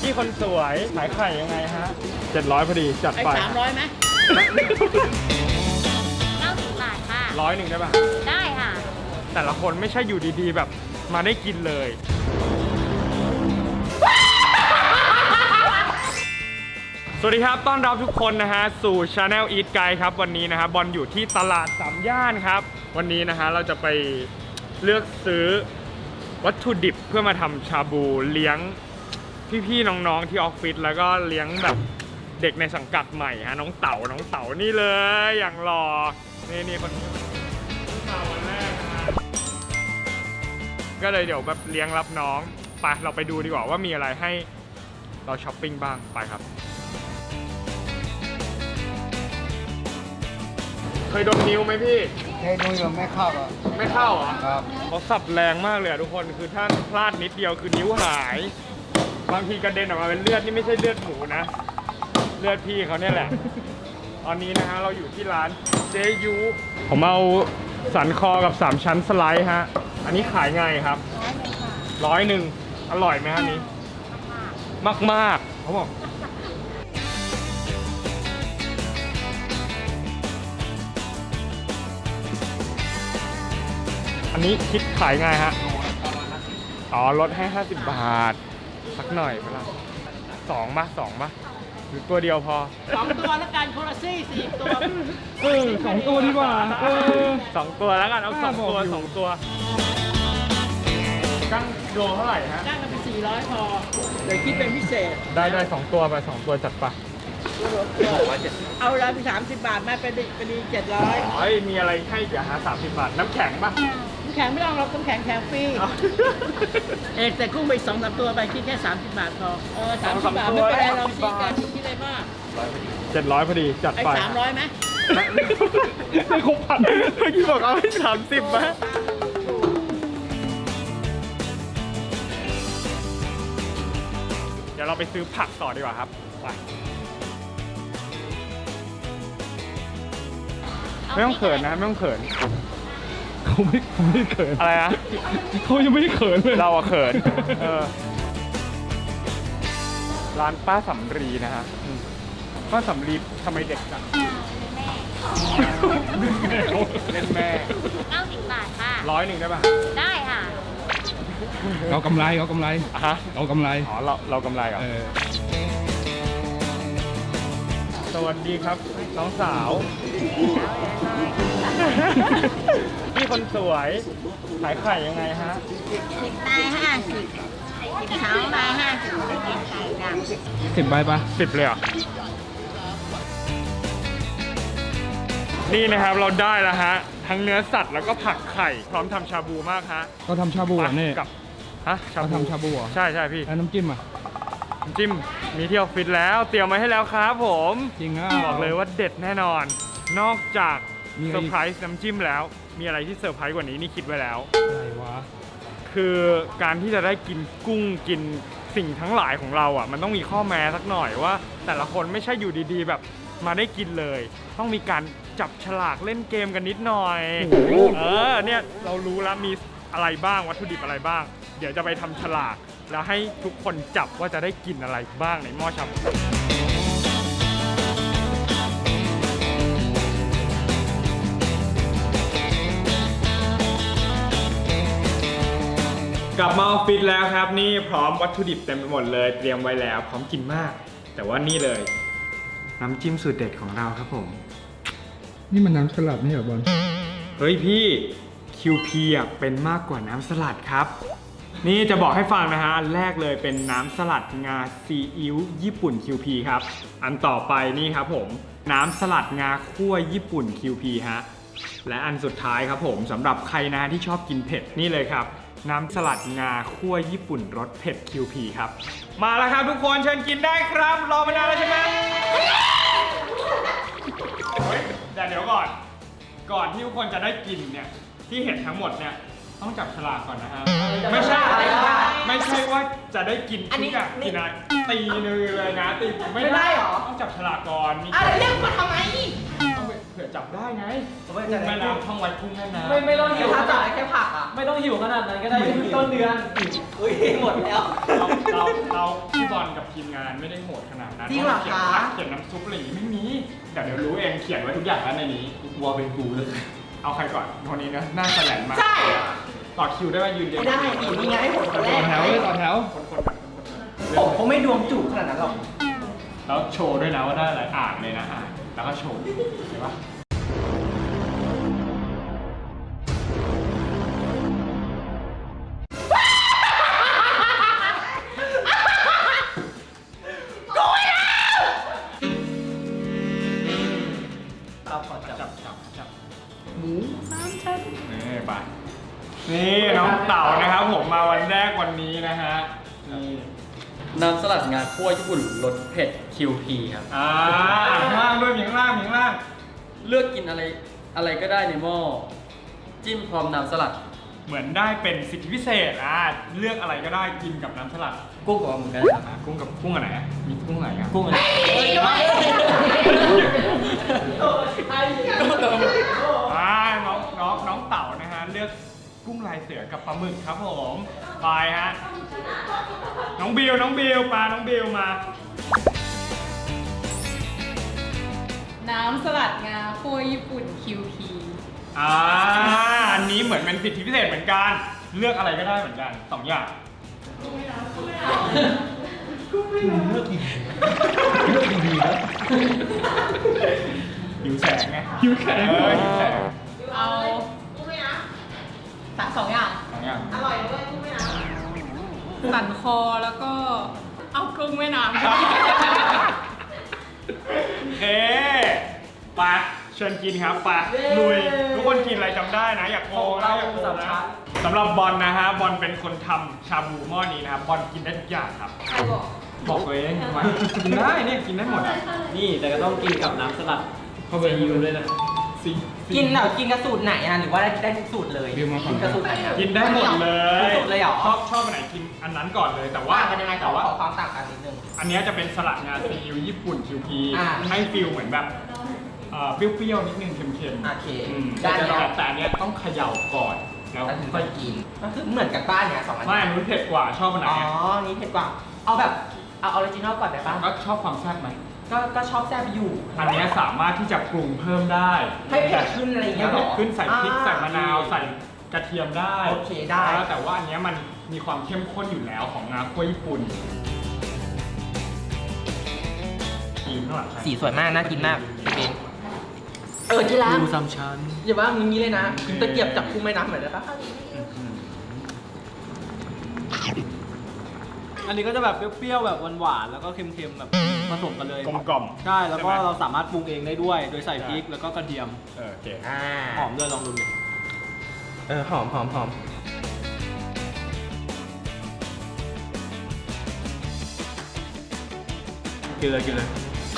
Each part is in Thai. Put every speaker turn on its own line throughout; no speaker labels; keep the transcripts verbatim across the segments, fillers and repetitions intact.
พี่คนสวยขายไข่ยังไงฮะเจ็ดร้อยพอดีจัดไป
สามร้อยไหม
เก้าสิบบาทค่ะ
ร้อยหนึ่งได้ป่ะ
ได้ค่ะ
แต่ละคนไม่ใช่อยู่ดีๆแบบมาได้กินเลย สวัสดีครับต้อนรับทุกคนนะฮะสู่ Channel Eat Guide ครับวันนี้นะฮะบอลอยู่ที่ตลาดสามย่านครับวันนี้นะฮะเราจะไปเลือกซื้อวัตถุดิบเพื่อมาทำชาบูเลี้ยงพี่ๆน้องๆที่ออฟฟิศแล้วก็เลี้ยงแบบเด็กในสังกัดใหม่ฮะน้องเต๋าน้องเต๋านี่เลยอย่างหล่อนี่นี่คนนี้มาวันแรกนะฮะก็เลยเดี๋ยวแบบเลี้ยงรับน้องไปเราไปดูดีกว่าว่ามีอะไรให้เราช้อปปิ้งบ้างไปครับเคยโดนนิ้วไหมพี่
เคยดูอยู่ไม่เข้าอ่ะ
ไม่เข้าเหรอ
ครับ
เขาสับแรงมากเลยอะทุกคนคือถ้าพลาดนิดเดียวคือนิ้วหายบางทีกระเด็นออกมาเป็นเลือดนี่ไม่ใช่เลือดหมูนะเลือดพี่เขาเนี่ยแหละตอนนี้นะฮะเราอยู่ที่ร้านเจยูผมเอาสันคอกับสามชั้นสไลด์ฮะอันนี้ขายไงครับร้อยหนึ่งอร่อยไหมฮะนี้มากมากเขาบอกอันนี้คิดขายไงฮะอ๋อลดให้ห้าสิบบาทสักหน่อยเปล่าสองป่ะสองป่ะหรือตัวเดียวพอ
สองตัวแล้วกันโคลาซี่สี่ตัว
เออสองตัวดีกว่าเออสองตัวแล้วกันเอาสองตัวสองตัวกั้งโลเท่าไหร่ฮะ
จ้างกันเป็นสี่ร้อยพอเดี๋ยวคิดเป็นพิเศษ
ได้ได้สองตัวไปสองตัวจัดไป
เอาละเป็นสามสิบบาทแม่เป็นเป็นดีเจ็ดร้อย
อ๋อมีอะไรให้เดี๋ยวหาสามสิบบาทน้ำแข็งป่ะ
น้ำแข็งไม่ต้องเราน้ำแข็งแข็งฟรีเอกแต่กุ้งไปสองสามตัวไปคิดแค่สามสิบบาทพอเออสามสิบบาทไม่เป็นไรเราคิดกันคิดอะไรมาก
เจ็ดร้อยพอดีจัดไป
สามร้อยไหม
ไม่ครบพันเมื่อกี้บอกเอาให้สามสิบไหมเดี๋ยวเราไปซื้อผักต่อดีกว่าครับไปไม่ต้องเขินนะไม่ต้องเขินเขาไม่เขาไม่เขินอะไรนะเขายังไม่เขินเลยเราอะเขินเออร้านป้าสำรีนะฮะป้าสำรีทำไมเด็กจังเล่นแม่
เก้าสิบบาทค่ะ
ร้อยหนึ่งได้ป่ะ
ได้ค่ะ
เรากำไรเรากำไร
ฮะ
เรากำไร
อ๋อเราเรากำไรเหรอสวัสดีครับน้องสาวพี่คนสวยขายไข่ยังไงฮะ
สิบใบห้าสิบสิบสองใบห้าสิบไข่ดำ
สิบใบปะ
สิบเลยเหรอนี่นะครับเราได้แล้วฮะทั้งเนื้อสัตว์แล้วก็ผักไข่พร้อมทำชาบูมากฮะ
ก็ทำชาบูนี่
กับฮะ
ชาบูทำชาบูเหรอ
ใช่ใช่พี่
แล้วน้ำจิ้มอ่ะ
น้ำจิ้มมีที่ออฟฟิศแล้วเตรียมมาให้แล้วครับผม
จริงอ่ะ
บอกเลยว่าเด็ดแน่นอนนอกจากเซอร์ไพรส์น้ำจิ้มแล้วมีอะไรที่เซอร์ไพรส์กว่านี้นี่คิดไว้แล้ว
อะไรวะ
คือการที่จะได้กินกุ้งกินสิ่งทั้งหลายของเราอ่ะมันต้องมีข้อแม้สักหน่อยว่าแต่ละคนไม่ใช่อยู่ดีๆแบบมาได้กินเลยต้องมีการจับฉลากเล่นเกมกันนิดหน่อยเออเนี่ยเรารู้แล้วมีอะไรบ้างวัตถุดิบอะไรบ้างเดี๋ยวจะไปทำฉลากแล้วให้ทุกคนจับว่าจะได้กินอะไรบ้างในหม้อชาบูกลับมาออฟฟิศแล้วครับนี่พร้อมวัตถุดิบเต็มไปหมดเลยเตรียมไว้แล้วพร้อมกินมากแต่ว่านี่เลยน้ำจิ้มสูตรเด็ดของเราครับผม
นี่มันน้ำสลัดนี่เหรอบอล
เฮ้ยพี่ คิว พี อ่ะเป็นมากกว่าน้ำสลัดครับนี่จะบอกให้ฟังนะฮะอันแรกเลยเป็นน้ำสลัดงาซีอิ๊วญี่ปุ่น คิว พี ครับอันต่อไปนี่ครับผมน้ำสลัดงาคั่วญี่ปุ่น คิว พี ฮะและอันสุดท้ายครับผมสำหรับใครนะที่ชอบกินเผ็ดนี่เลยครับน้ำสลัดงาคั่วญี่ปุ่นรสเผ็ด คิว พี ครับมาแล้วครับทุกคนเชิญกินได้ครับรอมานานแล้วใช่ไหมเฮ้ยแต่เดี๋ยวก่อนก่อนที่ทุกคนจะได้กินเนี่ยที่เห็นทั้งหมดเนี่ยต้องจับฉลากก่อนนะฮะไม่ใช่ไม่ใช่ว่าจะได้กินทุกอย่างกินอะไรตีเลยนะตีไม่ได้หรอต้องจับฉลากก่อนมี
อะไรเรียกมาทำไม
เผื่อจับได้ไงแม่น้ำท่องไว้กุ้งแม่น้ำ
ไม่ไม่ต้องหิว
ถ้าจับแค่ผักอ่ะ
ไม่ต้องหิวขนาดนั้นก็ได้ต้นเดือน
อุ้ยหมดแล้ว
เราเราเราพี่บอลกับทีมงานไม่ได้โหดขนาดนั้น
จริงเหรอ
เขียน
คะ
ผักเขียนน้ำซุปอะไรอย่างงี้ไม่มีแต่เดี๋ยวรู้เองเขียนไว้ทุกอย่างแล้วในนี้
กลัวเป็นกูเลย
เอาใครก่อนคนนี้นะหน้าแสลนมาก
ใช่
ต่อคิวได้ว่ายืนเรียง
ไม่ได้อีกนี่ไงให้ผมคนแร
ต่อก แถวเลยต่อแถว
คนคนแบบ
ผมเขาไม่ดวงจุขนาดนั้นหรอก
แล้วโชว์ด้วยนะว่าได้อะไรอ่านเลยนะอ่านแล้วก็โชว์เห็นปะจับจับจับจับหมูสามชั้นนี่ไปนี่น้องเต่านะครับผมมาวันแรกวันนี้นะฮะนี่
น้ำสลัดงาคั่วญี่ปุ่นรสเผ็ด คิว พี ครับ
อ่าข้างล่างด้วยมีข้างล่างมีข้างล่าง
เลือกกินอะไรอะไรก็ได้ในหม้อ จิ้มพร้อมน้ำสลัด
เหมือนได้เป็นสิทธิพิเศษอ่าเลือกอะไรก็ได้กินกับน้ำสลัด
กุ้งกับปลาหมึกก็ได้ครับ
อ่ากุ้งกับกุ้งอันไหนอ่ะมีกุ้งไหนอ่ะ
กุ้งอะไร
อ่าน้องน้องน้องเต่านะฮะเลือกกุ้งลายเสือกับปลาหมึกครับผมไปฮะน้องบิวน้องบิวปลาน้องบิวมา
น้ำสลัดงาคั่วญี่ปุ่น คิว พี
อ่าอันนี้เหมือนเป็นสิทธิพิเศษเหมือนกันเลือกอะไรก็ได้เหมือนกันสองอย่างกุ้งไม่น้ำกุ้งไม่น้ำกุ้งไม่น้ำเลือกดีเลือกดีๆนะหิวแสงไงหิวแสงเออหิวแสง
เอา
สามสองอย่าง
สองอย่าง
อร่อยด้วยกุ้งไม่น้ำ
สันคอแล้วก็เอากุ้งแม่น้ำ
โอเคไปเชิญกินครับไปลุยทุกคนกินอะไรจำได้นะอยากโกงนะอยากโกงนะสำหรับบอลนะฮะบอลเป็นคนทำชาบูหม้อนี้นะครับบอลกินได้ทุกอย่างครับ
ใครบอก
บอกตัวเองทำไมกินได้เนี่ยกินได้หมดอ่ะ
นี่แต่ก็ต้องกินกับน้ำสลัดเข้าไปยูด้วยนะ
สิ
กินแบบกินกระสูตรไหนอ่ะหรือว่าได้ได้ทุกสูตรเลย
บิวมาก่อน
กินกระสูตรไหนอ่ะ
กินได้หมดเลย
หมดเลยเหรอ
ชอบชอบอันไหนกินอันนั้นก่อนเลยแต่ว่า
ต่างกันยังไงข
แต่
อ
ว่า
ขอความต่างกันนิดนึง
อันเนี้ยจะเป็นสลัดงาซีอิ๊วญี่ปุ่น คิว พี
อ่า
ให้ฟิลเหมือนแบบเอ่อเปรี้ยวๆนิดนึงเค็มๆ
โอเค
อืม
ได้
แต่
แล้ว
แต่อันเนี้ยต้องเขย่าก่อนแล้ว
แล้วถึง
ค่
ค่
อ
อย ย
กิ
กิ
น
นก็คือเหมือนกันป้าเนี่ยสองอัน
ไม่อันนู้นเผ็ดกว่าชอบอันไหน
อ๋อ
อะ
นี่เผ็ดกว่า เอาแบบเอาออริจินอลก่อนได้ป่ะ
ก็ชอบความแซ่บไหม
ก็ก็ชอบแซ่บอยู่
อันเนี้ยสามารถที่จะปรุงเพิ่มได้
ให้เผ็ดขึ้นอะไรอย่างเงี้ย
ให้
เหร
เผ็
อ
ดขึ้นใส่พริก
อ่
ใส่มะนาวใส่กระเทียมได้
โอเคได้
แล้วแต่ว่าอันเนี้ยมันมีความเข้มข้นอยู่แล้วของงาคั่วญี่ปุ่นกินข้างหลังใคร
สีสวยมากน่ากินมากเป็นเออที่รัก
ดูซ้ำชั้น
อย่าว่ามึงงี้เลยนะตะเกียบจับกุ้งแม่น้ำเหมือนได้ปะ
อันนี้ก็จะแบบเปรี้ยวๆแบบหวานๆแล้วก็เค็มๆแบบผสมกันเลย
กลมกล่อม
ใช่แล้วก็
ใช่ไหม
เราสามารถปรุงเองได้ด้วย โดยใส่พริกแล้วก็กระเทียม
เออโอเค
อ่า
หอมด้วยลองดูดิ
เออหอมหอมหอม
กินเลยกินเลย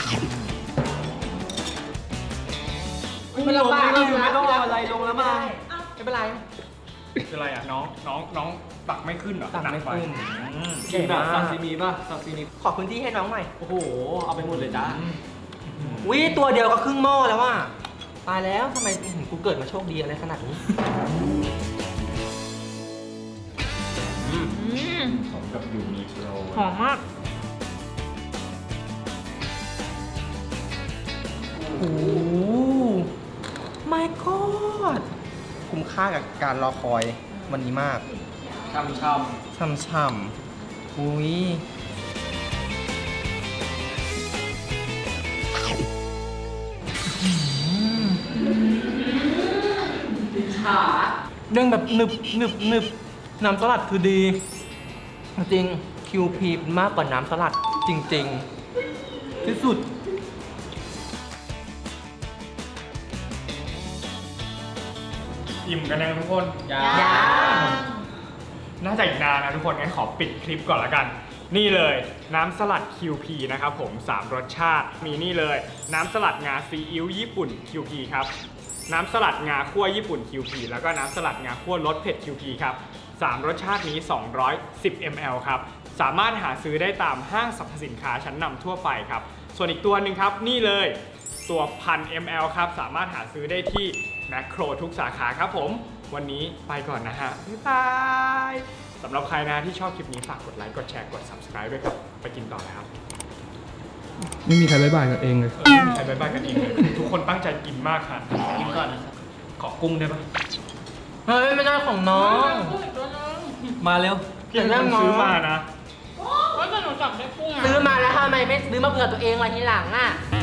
ไม่ลงไม่ลง
ไม่ต้องเอาอะไรลงแล้วมา
ไม่เป็นไร
คืออะไรอ่ะน้องน้องน้องตักไม่ขึ้นเหรอ
ตักไม่
ป
ขึ้น
อืม
กินแบบซาซิมิป่ะซาซิมิ
ขอพื้นที่ให้น้องหน่อย
โอ้โห เอาไปหมดเลยจ้า
วิตัวเดียวก็ครึ่งหม้อแล้วว่ะตายแล้วทำไมอื้อหือกูเกิดมาโชคดีอะไรขนาดนี้
สมกับยูนิโคล
หอมมาก
โอ้โห my god คุ้มค่ากับการรอคอยวันนี้มาก
ช่ำ
ช่ำๆอุ้ยเรื่องแบบหนึบหนึบหนึบน้ำสลัดคือดี จริง คิว พี มากกว่าน้ำสลัด จริง ๆ ที่สุด
อิ่มกันยังทุกคน
ๆยา
ยัง
น่าจะอีกนานนะทุกคนงั้นขอปิดคลิปก่อนละกัน นี่เลยน้ำสลัด คิว พี นะครับผมสามรสชาติมีนี่เลยน้ำสลัดงาซีอิ๊วญี่ปุ่น คิว พี ครับน้ำสลัดงาคั่วญี่ปุ่น คิว พี แล้วก็น้ำสลัดงาคั่วรสเผ็ด คิว พี ครับสามรสชาตินี้สองร้อยสิบมิลลิลิตร ครับสามารถหาซื้อได้ตามห้างสรรพสินค้าชั้นนำทั่วไปครับส่วนอีกตัวหนึ่งครับนี่เลยตัวพัน มิลลิลิตร ครับสามารถหาซื้อได้ที่แมคโครทุกสาขาครับผมวันนี้ไปก่อนนะฮะบ๊ายบายสำหรับใครนะที่ชอบคลิปนี้ฝากกดไลค์กดแชร์กด subscribe ด้วยครับไปกินต่อเลยครับ
ไม่มีใครบ๊ายบายกับเองเลย
เออไม่มีใครบายบายกันเองเลยทุกคนตั้งใจกินมากค่ะ
กินก่อนนะครับ
ขอกุ้งได้ปะ
เฮ้ย ไม่ได้ของน้อง
มาเร็ว
พี่เป็นคนซื้อมานะ
ก็จะหนูจับได้กุ้ง
ซื้อมาแล้วทำไมไม่ซื้อมาเผื่อตัวเองไว้ทีหลังอ่ะ
เ